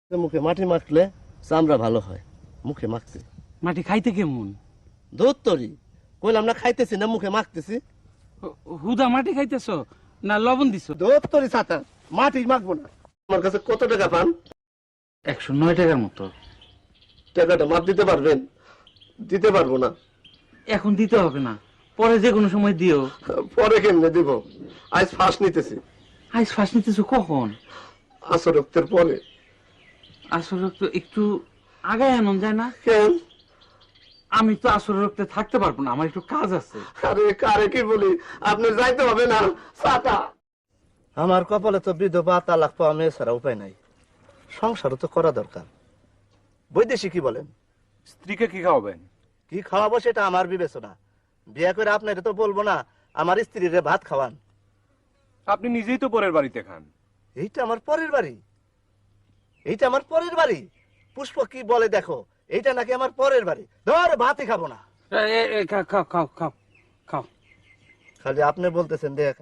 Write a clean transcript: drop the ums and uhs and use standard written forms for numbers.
মুখে মাটি মাখলে চামড়া ভালো হয়। মুখে মাখতে মাটি খাইতে কেমন? দুধ তরি কইলাম না, খাইতেছি না, মুখে মাখতেছি। হুদা মাটি খাইতেছ না লবণ দিছ? দুধ তরি ছাতা, মাটি মাখবো না। আমার কাছে কত টাকা পান? 109 টাকার মতো। টাকাটা মাপ দিতে পারবেন? দিতে পারবো না। এখন দিতে হবে না, পরে যে কোনো সময় দিও। পরে কেমনে দিব? আজ ফাঁস নিতেছি। আজ ফাঁস নিতেছ কখন? আসর রক্তের পরে। আসলে তো একটু আগায় আনন যায় না? কেন? আমি তো আসলে রক্তে থাকতে পারবো না, আমার একটু কাজ আছে। আরে কারে কি বলি, আপনার যাইতে হবে না। ছাতা আমার কপালে তো বিধবা তালাক পাওয়া মেয়ে ছাড়া উপায় নাই। সংসারও তো করা দরকার। বৈদেশিক কি বলেন? স্ত্রীকে কি খাওয়াবেন? কি খাওয়াবো সেটা আমার বিবেচনা। বিয়ে করে আপনার তো বলবো না আমার স্ত্রীরে ভাত খাওয়ান। আপনি নিজেই তো পরের বাড়িতে খান। এইটা আমার পরের বাড়ি? এইটা আমার পরের বাড়ি? পুষ্প কি বলে দেখো, এইটা নাকি আমার পরের বাড়ি। ধর ভাতই খাবো না। খাও খাও খাও খাও। খালি আপনি বলতেছেন দেখ।